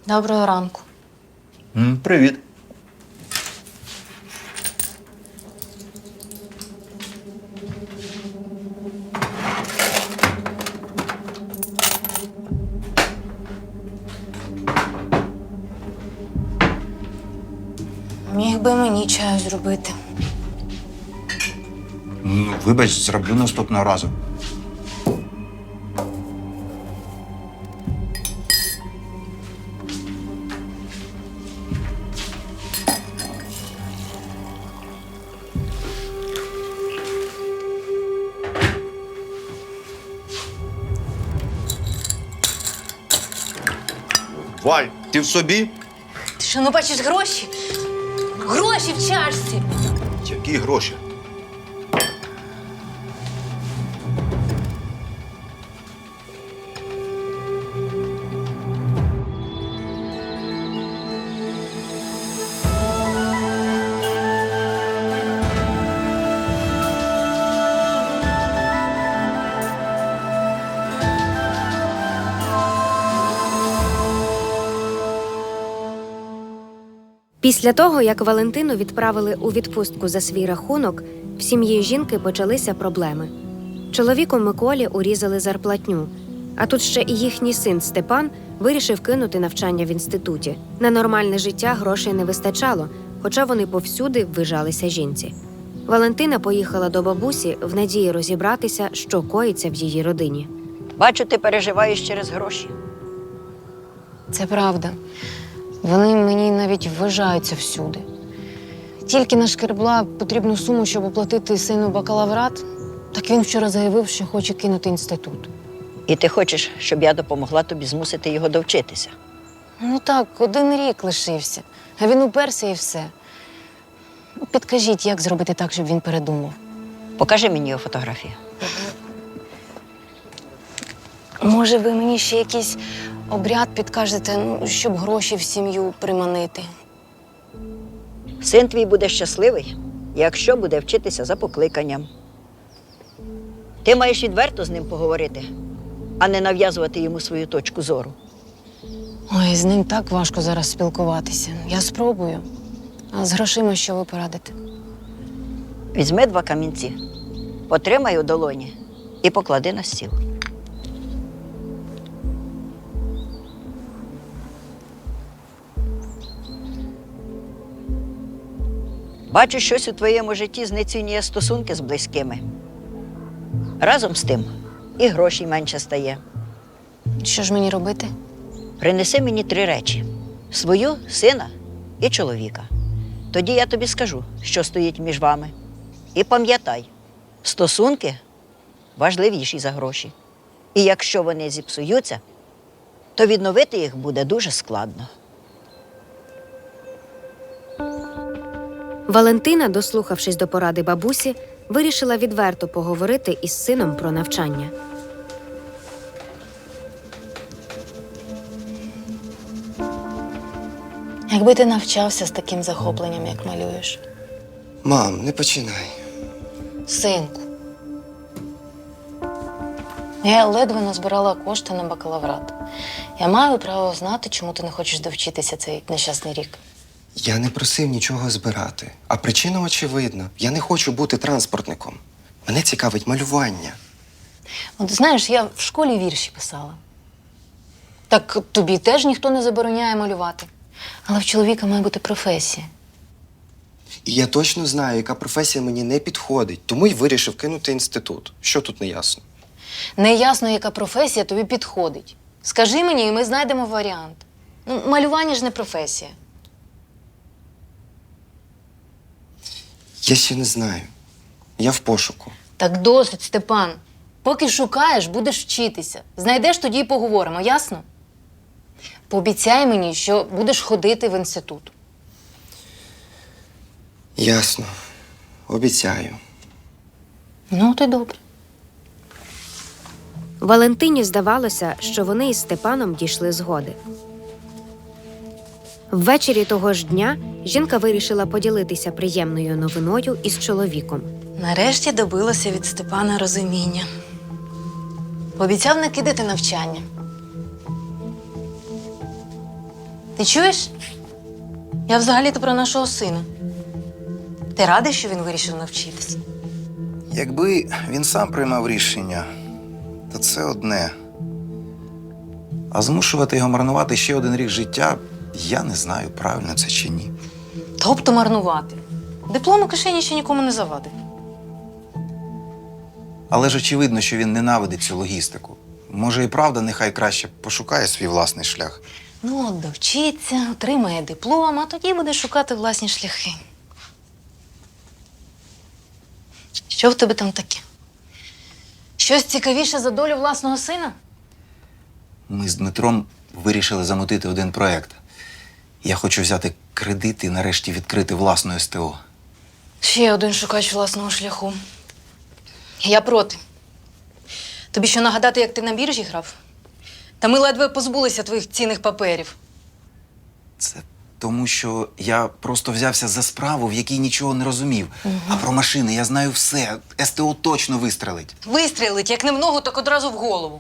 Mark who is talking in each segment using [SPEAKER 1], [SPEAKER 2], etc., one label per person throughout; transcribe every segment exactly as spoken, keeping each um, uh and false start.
[SPEAKER 1] Доброго ранку.
[SPEAKER 2] М, Привіт.
[SPEAKER 1] Міг би мені чаю зробити.
[SPEAKER 2] Ну, вибач, зроблю наступного разу. Валь, ти в собі?
[SPEAKER 1] Ти що, не бачиш гроші? Гроші в чашці!
[SPEAKER 2] Які гроші?
[SPEAKER 3] Після того, як Валентину відправили у відпустку за свій рахунок, в сім'ї жінки почалися проблеми. Чоловіку Миколі урізали зарплатню, а тут ще і їхній син Степан вирішив кинути навчання в інституті. На нормальне життя грошей не вистачало, хоча вони повсюди ввижалися жінці. Валентина поїхала до бабусі в надії розібратися, що коїться в її родині.
[SPEAKER 4] Бачу, ти переживаєш через гроші.
[SPEAKER 1] Це правда. Вони мені навіть вважаються всюди. Тільки нашкребла потрібну суму, щоб оплатити сину бакалаврат, так він вчора заявив, що хоче кинути інститут.
[SPEAKER 4] І ти хочеш, щоб я допомогла тобі змусити його довчитися.
[SPEAKER 1] Ну так, один рік лишився, а він уперся і все. Ну, підкажіть, як зробити так, щоб він передумав.
[SPEAKER 4] Покажи мені його фотографію.
[SPEAKER 1] Може, ви мені ще якийсь обряд підкажете, ну, щоб гроші в сім'ю приманити?
[SPEAKER 4] Син твій буде щасливий, якщо буде вчитися за покликанням. Ти маєш відверто з ним поговорити, а не нав'язувати йому свою точку зору.
[SPEAKER 1] Ой, з ним так важко зараз спілкуватися. Я спробую. А з грошима що ви порадите?
[SPEAKER 4] Візьми два камінці, потримай у долоні і поклади на стіл. Бачу, щось у твоєму житті знецінює стосунки з близькими. Разом з тим і грошей менше стає.
[SPEAKER 1] Що ж мені робити?
[SPEAKER 4] Принеси мені три речі: свою, сина і чоловіка. Тоді я тобі скажу, що стоїть між вами. І пам'ятай, стосунки важливіші за гроші. І якщо вони зіпсуються, то відновити їх буде дуже складно.
[SPEAKER 3] Валентина, дослухавшись до поради бабусі, вирішила відверто поговорити із сином про навчання.
[SPEAKER 1] Якби ти навчався з таким захопленням, як малюєш.
[SPEAKER 5] Мам, не починай.
[SPEAKER 1] Синку. Я ледве назбирала кошти на бакалаврат. Я маю право знати, чому ти не хочеш довчитися цей нещасний рік.
[SPEAKER 5] Я не просив нічого збирати. А причина очевидна. Я не хочу бути транспортником. Мене цікавить малювання.
[SPEAKER 1] От знаєш, я в школі вірші писала. Так тобі теж ніхто не забороняє малювати. Але в чоловіка має бути професія.
[SPEAKER 5] І я точно знаю, яка професія мені не підходить, тому й вирішив кинути інститут. Що тут не ясно?
[SPEAKER 1] Неясно, яка професія тобі підходить. Скажи мені, і ми знайдемо варіант. Ну, малювання ж не професія.
[SPEAKER 5] Я ще не знаю. Я в пошуку.
[SPEAKER 1] Так досить, Степан. Поки шукаєш, будеш вчитися. Знайдеш, тоді й поговоримо, ясно? Пообіцяй мені, що будеш ходити в інститут.
[SPEAKER 5] Ясно. Обіцяю.
[SPEAKER 1] Ну, ти добре.
[SPEAKER 3] Валентині здавалося, що вони із Степаном дійшли згоди. Ввечері того ж дня жінка вирішила поділитися приємною новиною із чоловіком.
[SPEAKER 1] Нарешті добилася від Степана розуміння. Обіцяв не кидати навчання. Ти чуєш? Я взагалі-то про нашого сина. Ти радий, що він вирішив навчитись?
[SPEAKER 2] Якби він сам приймав рішення, то це одне. А змушувати його марнувати ще один рік життя, я не знаю, правильно це чи ні.
[SPEAKER 1] Тобто марнувати. Диплом у кишені ще нікому не завадив.
[SPEAKER 2] Але ж очевидно, що він ненавидить цю логістику. Може і правда, нехай краще пошукає свій власний шлях.
[SPEAKER 1] Ну, от довчиться, отримає диплом, а тоді буде шукати власні шляхи. Що в тебе там таке? Щось цікавіше за долю власного сина?
[SPEAKER 2] Ми з Дмитром вирішили замутити один проєкт. Я хочу взяти кредит і нарешті відкрити власну ес те о.
[SPEAKER 1] Ще один шукач власного шляху. Я проти. Тобі що нагадати, як ти на біржі грав? Та ми ледве позбулися твоїх цінних паперів.
[SPEAKER 2] Це тому, що я просто взявся за справу, в якій нічого не розумів. А про машини я знаю все. ес те о точно вистрелить.
[SPEAKER 1] Вистрілить, як не в ногу, так одразу в голову.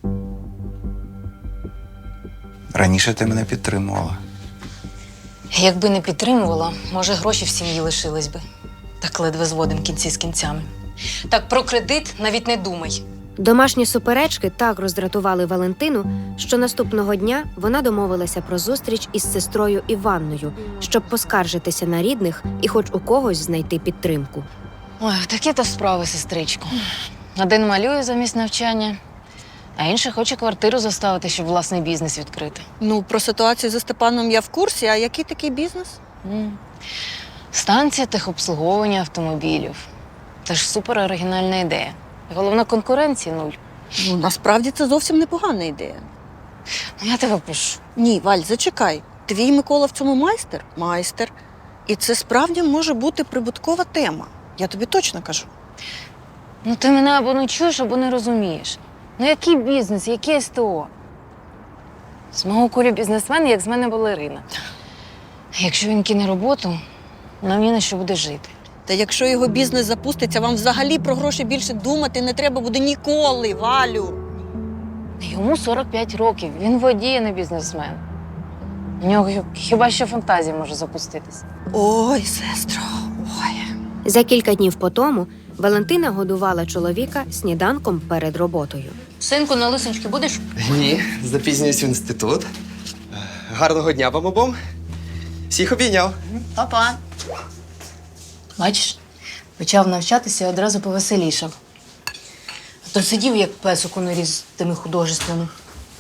[SPEAKER 2] Раніше ти мене підтримувала.
[SPEAKER 1] Якби не підтримувала, може, гроші в сім'ї лишились би. Так ледве зводим кінці з кінцями. Так про кредит навіть не думай.
[SPEAKER 3] Домашні суперечки так роздратували Валентину, що наступного дня вона домовилася про зустріч із сестрою Іванною, щоб поскаржитися на рідних і хоч у когось знайти підтримку.
[SPEAKER 1] Ой, такі то справи, сестричко. Один малює замість навчання, а інший хоче квартиру заставити, щоб власний бізнес відкрити.
[SPEAKER 6] Ну, про ситуацію зі Степаном я в курсі, а який такий бізнес?
[SPEAKER 1] М. Станція техобслуговування автомобілів. Це ж супер оригінальна ідея. Головна конкуренції нуль.
[SPEAKER 6] Ну, насправді це зовсім непогана ідея.
[SPEAKER 1] Ну, я тебе пишу.
[SPEAKER 6] Ні, Валь, зачекай. Твій Микола в цьому майстер? Майстер. І це справді може бути прибуткова тема. Я тобі точно кажу.
[SPEAKER 1] Ну ти мене або не чуєш, або не розумієш. Ну який бізнес, яке ес те о? З мого кулю бізнесмен, як з мене балерина. Якщо він кине роботу, нам ні на що буде жити.
[SPEAKER 6] Та якщо його бізнес запуститься, вам взагалі про гроші більше думати не треба буде ніколи, Валю.
[SPEAKER 1] Йому сорок п'ять років, він водій, а не бізнесмен. У нього хіба що фантазія може запуститись.
[SPEAKER 6] Ой, сестро, ой.
[SPEAKER 3] За кілька днів по тому Валентина годувала чоловіка сніданком перед роботою.
[SPEAKER 1] Синку, на лисички будеш?
[SPEAKER 5] Ні, запізнююсь в інститут. Гарного дня вам обом. Всіх обійняв.
[SPEAKER 1] Па-па. Бачиш, почав навчатися і одразу повеселішав. А то сидів, як песик у норі з тими художествами.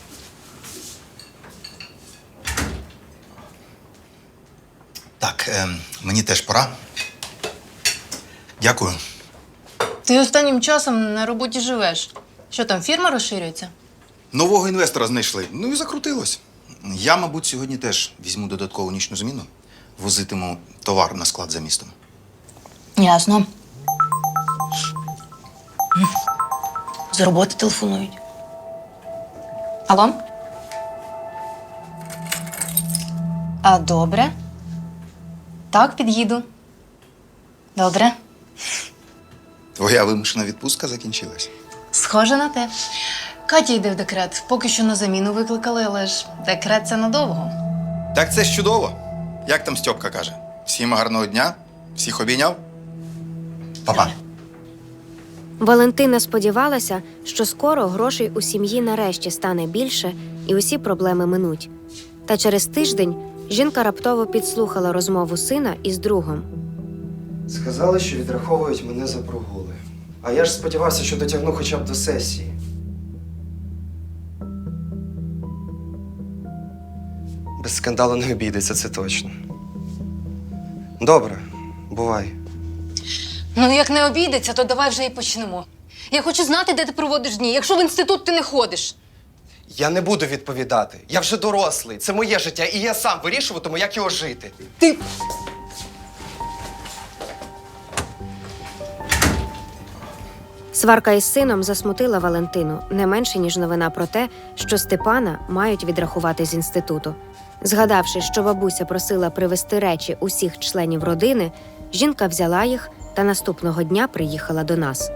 [SPEAKER 2] Так, е, мені теж пора. Дякую.
[SPEAKER 1] Ти останнім часом на роботі живеш. Що там, фірма розширюється?
[SPEAKER 2] Нового інвестора знайшли. Ну і закрутилось. Я, мабуть, сьогодні теж візьму додаткову нічну зміну. Возитиму товар на склад за містом.
[SPEAKER 1] Ясно. З роботи телефонують. Алло? А, добре. Так, під'їду. Добре.
[SPEAKER 2] Твоя вимушена відпустка закінчилась.
[SPEAKER 1] Схоже на те. Катя йде в декрет. Поки що на заміну викликали, але ж декрет – це надовго.
[SPEAKER 2] Так це ж чудово. Як там Стьопка каже? Всім гарного дня, всіх обійняв. Па-па.
[SPEAKER 3] Валентина сподівалася, що скоро грошей у сім'ї нарешті стане більше і усі проблеми минуть. Та через тиждень жінка раптово підслухала розмову сина із другом.
[SPEAKER 5] Сказали, що відраховують мене за прогули. А я ж сподівався, що дотягну хоча б до сесії. Без скандалу не обійдеться, це точно. Добре, бувай.
[SPEAKER 1] Ну, як не обійдеться, то давай вже і почнемо. Я хочу знати, де ти проводиш дні, якщо в інститут ти не ходиш.
[SPEAKER 5] Я не буду відповідати. Я вже дорослий. Це моє життя, і я сам вирішуватиму, як його жити.
[SPEAKER 1] Ти...
[SPEAKER 3] Сварка із сином засмутила Валентину не менше, ніж новина про те, що Степана мають відрахувати з інституту. Згадавши, що бабуся просила привезти речі усіх членів родини, жінка взяла їх та наступного дня приїхала до нас.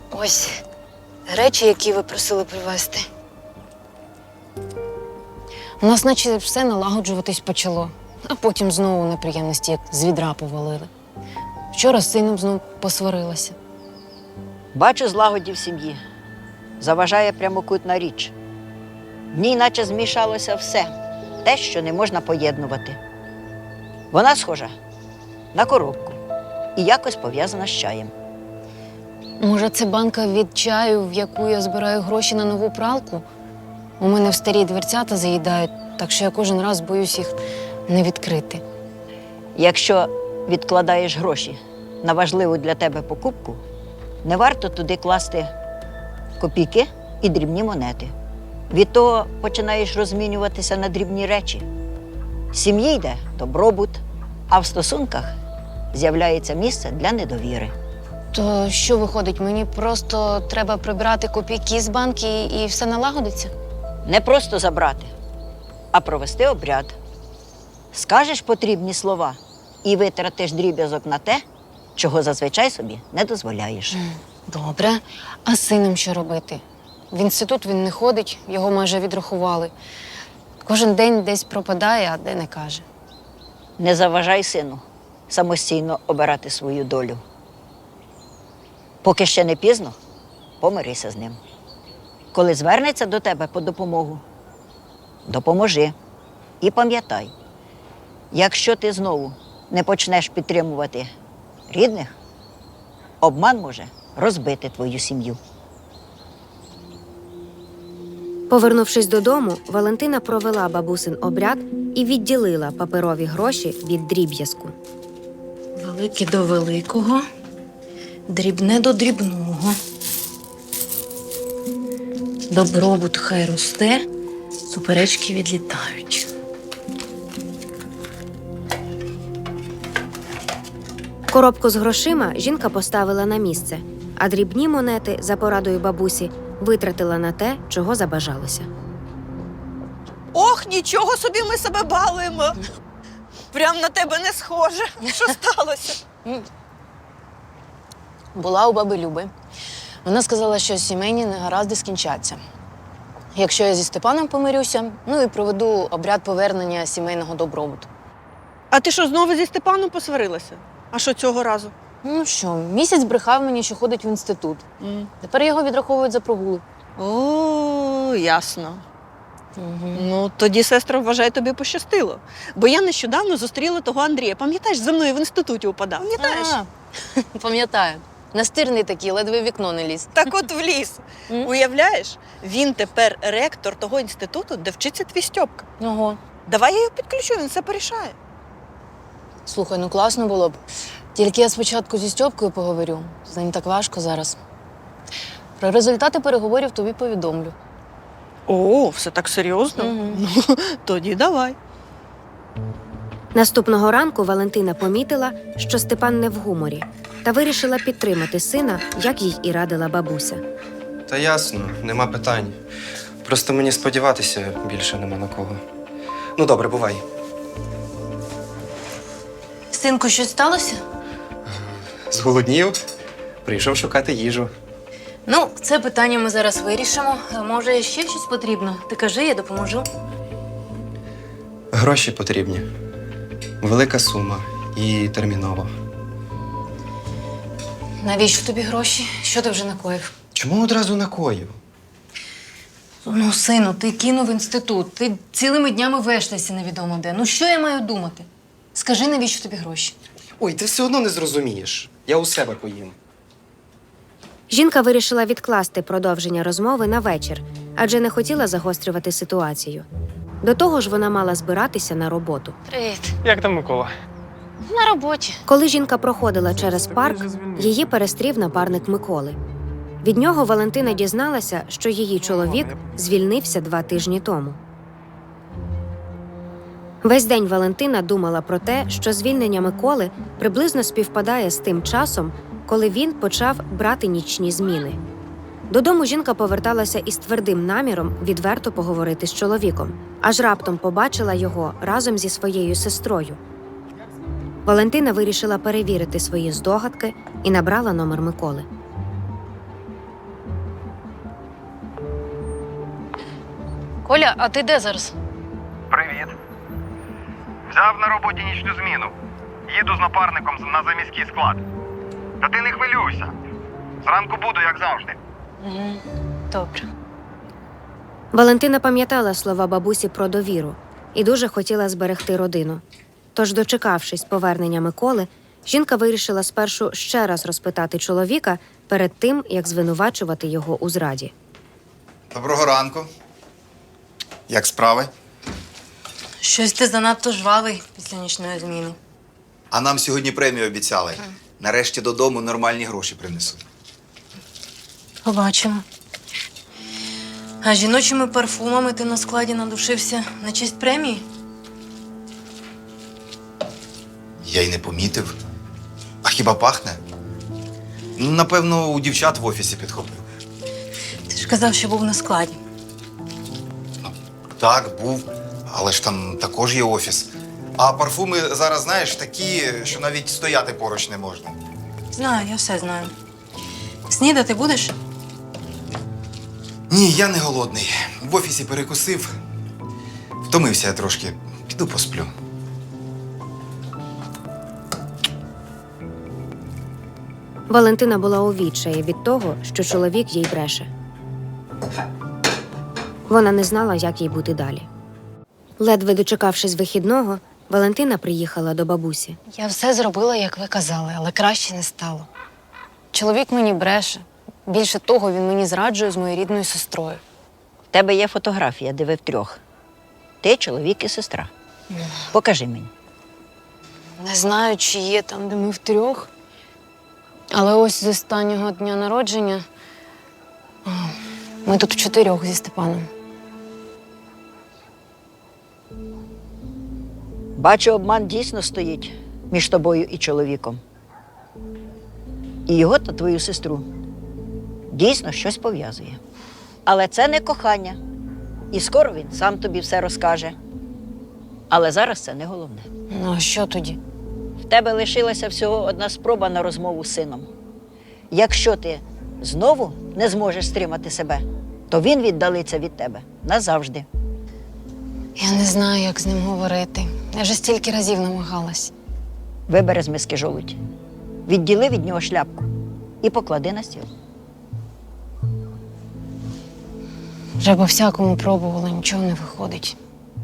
[SPEAKER 1] Ось речі, які ви просили привезти. У нас наче все налагоджуватись почало, а потім знову неприємності, як з відра повалили. Вчора з сином знов посварилася.
[SPEAKER 4] Бачу злагоді в сім'ї. Заважає прямокутна річ. В ній наче змішалося все, те, що не можна поєднувати. Вона схожа на коробку і якось пов'язана з чаєм.
[SPEAKER 1] Може, це банка від чаю, в яку я збираю гроші на нову пралку? У мене в старі дверцята заїдають, так що я кожен раз боюсь їх не відкрити.
[SPEAKER 4] Якщо відкладаєш гроші на важливу для тебе покупку, не варто туди класти копійки і дрібні монети. Від того починаєш розмінюватися на дрібні речі. В сім'ї йде добробут, а в стосунках з'являється місце для недовіри.
[SPEAKER 1] То що виходить, мені просто треба прибрати копійки з банки і все налагодиться?
[SPEAKER 4] Не просто забрати, а провести обряд. Скажеш потрібні слова і витратиш дріб'язок на те, чого зазвичай собі не дозволяєш.
[SPEAKER 1] Добре. А з сином що робити? В інститут він не ходить, його майже відрахували. Кожен день десь пропадає, а де не каже.
[SPEAKER 4] Не заважай сину самостійно обирати свою долю. Поки ще не пізно, помирися з ним. Коли звернеться до тебе по допомогу, допоможи. І пам'ятай, якщо ти знову не почнеш підтримувати рідних, обман може розбити твою сім'ю.
[SPEAKER 3] Повернувшись додому, Валентина провела бабусин обряд і відділила паперові гроші від дріб'язку.
[SPEAKER 1] Велике до великого, дрібне до дрібного. Добробут хай росте, суперечки відлітають.
[SPEAKER 3] Коробку з грошима жінка поставила на місце, а дрібні монети, за порадою бабусі, витратила на те, чого забажалося.
[SPEAKER 6] Ох, нічого собі ми себе балуємо. Прям на тебе не схоже. Що сталося?
[SPEAKER 1] Була у баби Люби. Вона сказала, що сімейні негаразди скінчаться. Якщо я зі Степаном помирюся, ну і проведу обряд повернення сімейного добробуту.
[SPEAKER 6] А ти що, знову зі Степаном посварилася? А що цього разу?
[SPEAKER 1] Ну що, місяць брехав мені, що ходить в інститут. Тепер його відраховують за прогули.
[SPEAKER 6] О, ясно.
[SPEAKER 1] Угу.
[SPEAKER 6] Ну, тоді, сестра, вважай, тобі пощастило. Бо я нещодавно зустріла того Андрія. Пам'ятаєш, за мною в інституті упадав? Пам'ятаєш?
[SPEAKER 1] Пам'ятаю. Настирний такий, ледве в вікно не ліз.
[SPEAKER 6] Так от вліз.
[SPEAKER 1] М?
[SPEAKER 6] Уявляєш, він тепер ректор того інституту, де вчиться твій Стьопка.
[SPEAKER 1] Ого.
[SPEAKER 6] Давай я його підключу, він все порішає.
[SPEAKER 1] Слухай, ну класно було б. Тільки я спочатку зі Стьопкою поговорю. З ним так важко зараз. Про результати переговорів тобі повідомлю.
[SPEAKER 6] О, все так серйозно?
[SPEAKER 1] Мгм.
[SPEAKER 6] Ну, тоді давай.
[SPEAKER 3] Наступного ранку Валентина помітила, що Степан не в гуморі, та вирішила підтримати сина, як їй і радила бабуся.
[SPEAKER 5] Та ясно, нема питань. Просто мені сподіватися більше нема на кого. Ну, добре, бувай.
[SPEAKER 1] Синку, щось сталося?
[SPEAKER 5] Зголоднів, прийшов шукати їжу.
[SPEAKER 1] Ну, це питання ми зараз вирішимо. Може, ще щось потрібно? Ти кажи, я допоможу.
[SPEAKER 5] Гроші потрібні. Велика сума і терміново.
[SPEAKER 1] Навіщо тобі гроші? Що ти вже накоїв?
[SPEAKER 5] Чому одразу накоїв?
[SPEAKER 1] Ну, сину, ти кинув інститут. Ти цілими днями вештайся невідомо де. Ну, що я маю думати? Скажи, навіщо тобі гроші?
[SPEAKER 5] Ой, ти все одно не зрозумієш. Я у себе поїм.
[SPEAKER 3] Жінка вирішила відкласти продовження розмови на вечір, адже не хотіла загострювати ситуацію. До того ж, вона мала збиратися на роботу.
[SPEAKER 1] Привіт.
[SPEAKER 7] Як там Микола?
[SPEAKER 1] На роботі.
[SPEAKER 3] Коли жінка проходила через парк, її перестрів напарник Миколи. Від нього Валентина дізналася, що її чоловік звільнився два тижні тому. Весь день Валентина думала про те, що звільнення Миколи приблизно співпадає з тим часом, коли він почав брати нічні зміни. Додому жінка поверталася із твердим наміром відверто поговорити з чоловіком, аж раптом побачила його разом зі своєю сестрою. Валентина вирішила перевірити свої здогадки і набрала номер Миколи.
[SPEAKER 1] Коля, а ти де зараз?
[SPEAKER 7] Взяв на роботі нічну зміну. Їду з напарником на заміський склад. Та ти не хвилюйся. Зранку буду, як завжди.
[SPEAKER 1] Угу. Добре.
[SPEAKER 3] Валентина пам'ятала слова бабусі про довіру і дуже хотіла зберегти родину. Тож, дочекавшись повернення Миколи, жінка вирішила спершу ще раз розпитати чоловіка перед тим, як звинувачувати його у зраді.
[SPEAKER 2] Доброго ранку. Як справи?
[SPEAKER 1] Щось ти занадто жвавий після нічної зміни.
[SPEAKER 2] А нам сьогодні премію обіцяли. Нарешті додому нормальні гроші принесуть.
[SPEAKER 1] Побачимо. А жіночими парфумами ти на складі надушився на честь премії?
[SPEAKER 2] Я й не помітив. А хіба пахне? Напевно, у дівчат в офісі підхопив.
[SPEAKER 1] Ти ж казав, що був на складі.
[SPEAKER 2] Так, був, але ж там також є офіс. А парфуми зараз, знаєш, такі, що навіть стояти поруч не можна.
[SPEAKER 1] Знаю, я все знаю. Снідати будеш?
[SPEAKER 2] Ні, я не голодний. В офісі перекусив. Втомився я трошки. Піду посплю.
[SPEAKER 3] Валентина була у відчаї від того, що чоловік їй бреше. Вона не знала, як їй бути далі. Ледве дочекавшись вихідного, Валентина приїхала до бабусі.
[SPEAKER 1] Я все зробила, як ви казали, але краще не стало. Чоловік мені бреше. Більше того, він мені зраджує з моєю рідною сестрою.
[SPEAKER 4] В тебе є фотографія, де ви втрьох. Ти, чоловік і сестра. Покажи мені.
[SPEAKER 1] Не знаю, чи є там, де ми втрьох. Але ось з останнього дня народження о, ми тут вчотирьох зі Степаном.
[SPEAKER 4] Бачу, обман дійсно стоїть між тобою і чоловіком. І його та твою сестру дійсно щось пов'язує. Але це не кохання. І скоро він сам тобі все розкаже. Але зараз це не головне.
[SPEAKER 1] Ну, а що тоді?
[SPEAKER 4] В тебе лишилася всього одна спроба на розмову з сином. Якщо ти знову не зможеш стримати себе, то він віддалиться від тебе назавжди.
[SPEAKER 1] Я не знаю, як з ним говорити. Я вже стільки разів намагалась.
[SPEAKER 4] Вибери з миски жолудь, відділи від нього шляпку і поклади на стіл.
[SPEAKER 1] Вже по всякому пробувала, нічого не виходить.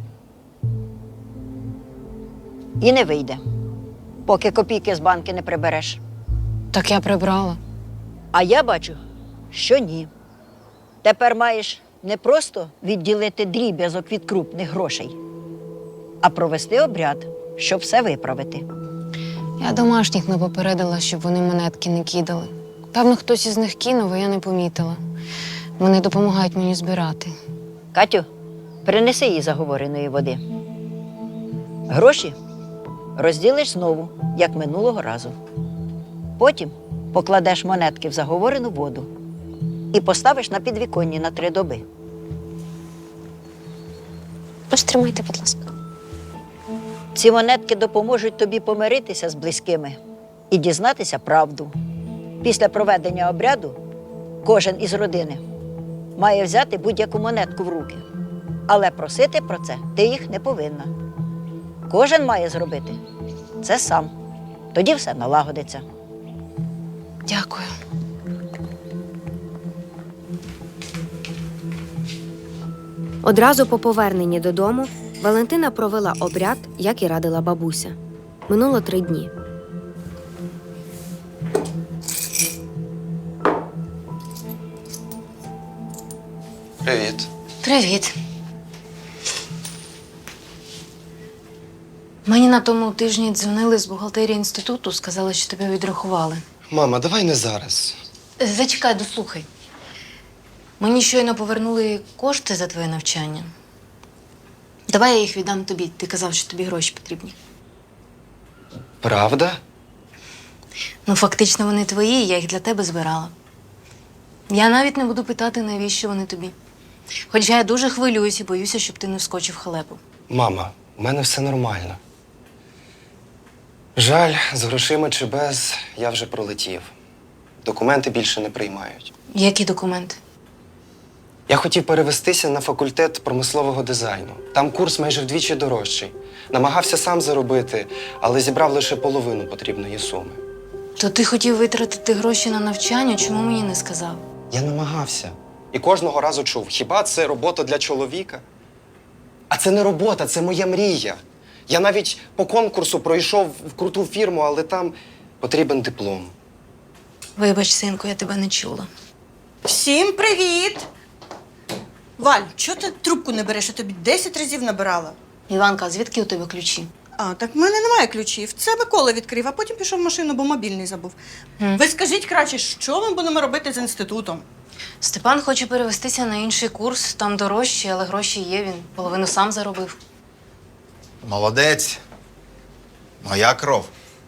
[SPEAKER 4] І не вийде, поки копійки з банки не прибереш.
[SPEAKER 1] Так я прибрала.
[SPEAKER 4] А я бачу, що ні. Тепер маєш не просто відділити дріб'язок від крупних грошей, а провести обряд, щоб все виправити.
[SPEAKER 1] Я домашніх не попередила, щоб вони монетки не кидали. Певно, хтось із них кинув, а я не помітила. Вони допомагають мені збирати.
[SPEAKER 4] Катю, принеси їй заговореної води. Гроші розділиш знову, як минулого разу. Потім покладеш монетки в заговорену воду і поставиш на підвіконні на три доби.
[SPEAKER 1] Ось тримайте, будь ласка.
[SPEAKER 4] Ці монетки допоможуть тобі помиритися з близькими і дізнатися правду. Після проведення обряду кожен із родини має взяти будь-яку монетку в руки. Але просити про це ти їх не повинна. Кожен має зробити це сам. Тоді все налагодиться.
[SPEAKER 1] Дякую.
[SPEAKER 3] Одразу по поверненні додому Валентина провела обряд, як і радила бабуся. Минуло три дні.
[SPEAKER 5] Привіт.
[SPEAKER 1] Привіт. Мені на тому тижні дзвонили з бухгалтерії інституту, сказали, що тебе відрахували.
[SPEAKER 5] Мама, давай не зараз.
[SPEAKER 1] Е, Зачекай, дослухай. Мені щойно повернули кошти за твоє навчання. Давай я їх віддам тобі. Ти казав, що тобі гроші потрібні.
[SPEAKER 5] Правда?
[SPEAKER 1] Ну, фактично, вони твої, я їх для тебе збирала. Я навіть не буду питати, навіщо вони тобі. Хоча я дуже хвилююсь і боюся, щоб ти не вскочив в халепу.
[SPEAKER 5] Мама, у мене все нормально. Жаль, з грошима чи без, я вже пролетів. Документи більше не приймають.
[SPEAKER 1] Які документи?
[SPEAKER 5] Я хотів перевестися на факультет промислового дизайну. Там курс майже вдвічі дорожчий. Намагався сам заробити, але зібрав лише половину потрібної суми.
[SPEAKER 1] То ти хотів витратити гроші на навчання, чому мені не сказав?
[SPEAKER 5] Я намагався. І кожного разу чув, хіба це робота для чоловіка? А це не робота, це моя мрія. Я навіть по конкурсу пройшов в круту фірму, але там потрібен диплом.
[SPEAKER 1] Вибач, синку, я тебе не чула.
[SPEAKER 6] Всім привіт! Валь, чого ти трубку не береш? Я тобі десять разів набирала.
[SPEAKER 1] Іванка, а звідки у тебе ключі?
[SPEAKER 6] А, так в мене немає ключів. Це Микола відкрив, а потім пішов в машину, бо мобільний забув.
[SPEAKER 1] Гм.
[SPEAKER 6] Ви скажіть краще, що ми будемо робити з інститутом?
[SPEAKER 1] Степан хоче перевестися на інший курс, там дорожче, але гроші є, він половину сам заробив.
[SPEAKER 2] Молодець. Моя кров.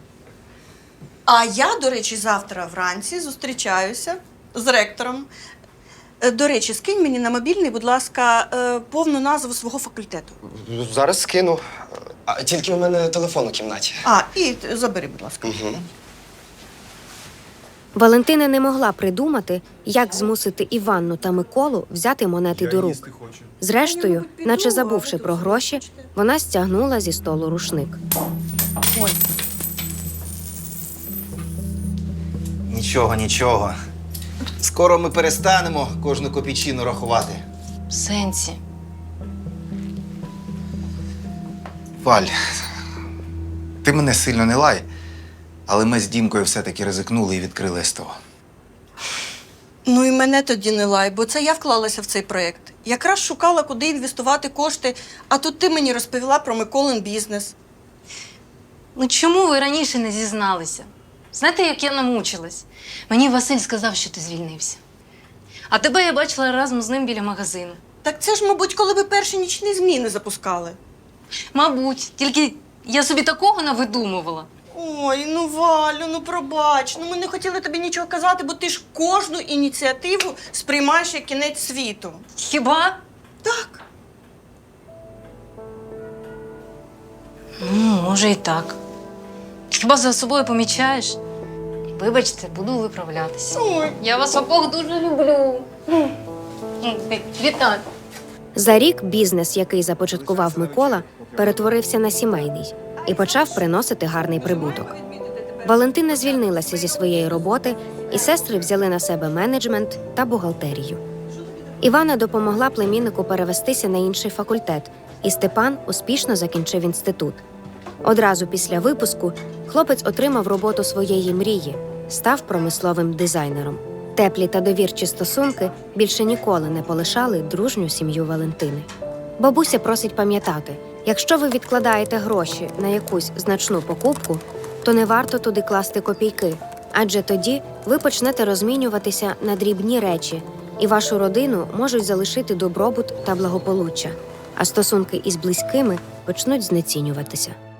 [SPEAKER 6] А я, до речі, завтра вранці зустрічаюся з ректором. Е, До речі, скинь мені на мобільний, будь ласка, е, повну назву свого факультету.
[SPEAKER 5] Зараз скину. А тільки у мене телефон у кімнаті.
[SPEAKER 6] А, і забери, будь ласка.
[SPEAKER 5] Угу.
[SPEAKER 3] Валентина не могла придумати, як змусити Іванну та Миколу взяти монети до рук. Зрештою, наче забувши про гроші, вона стягнула зі столу рушник.
[SPEAKER 6] Ой.
[SPEAKER 2] Нічого, нічого. Скоро ми перестанемо кожну копійчину рахувати.
[SPEAKER 1] В сенсі.
[SPEAKER 2] Валь, ти мене сильно не лай, але ми з Дімкою все-таки ризикнули і відкрили СТО.
[SPEAKER 6] Ну і мене тоді не лай, бо це я вклалася в цей проєкт. Якраз шукала, куди інвестувати кошти, а тут ти мені розповіла про Миколин бізнес.
[SPEAKER 1] Ну чому ви раніше не зізналися? Знаєте, як я намучилась? Мені Василь сказав, що ти звільнився. А тебе я бачила разом з ним біля магазину.
[SPEAKER 6] Так це ж, мабуть, коли ви перші нічні зміни запускали.
[SPEAKER 1] Мабуть, тільки я собі такого навидумувала.
[SPEAKER 6] Ой, ну Валю, ну пробач. Ну ми не хотіли тобі нічого казати, бо ти ж кожну ініціативу сприймаєш як кінець світу.
[SPEAKER 1] Хіба?
[SPEAKER 6] Так.
[SPEAKER 1] Ну, може і так. Хіба за собою помічаєш? Вибачте, буду виправлятися.
[SPEAKER 6] Ой.
[SPEAKER 1] Я вас обох дуже люблю. Вітаю.
[SPEAKER 3] За рік бізнес, який започаткував Микола, перетворився на сімейний і почав приносити гарний прибуток. Валентина звільнилася зі своєї роботи, і сестри взяли на себе менеджмент та бухгалтерію. Івана допомогла племіннику перевестися на інший факультет, і Степан успішно закінчив інститут. Одразу після випуску хлопець отримав роботу своєї мрії – став промисловим дизайнером. Теплі та довірчі стосунки більше ніколи не полишали дружню сім'ю Валентини. Бабуся просить пам'ятати, якщо ви відкладаєте гроші на якусь значну покупку, то не варто туди класти копійки, адже тоді ви почнете розмінюватися на дрібні речі, і вашу родину можуть залишити добробут та благополуччя, а стосунки із близькими почнуть знецінюватися.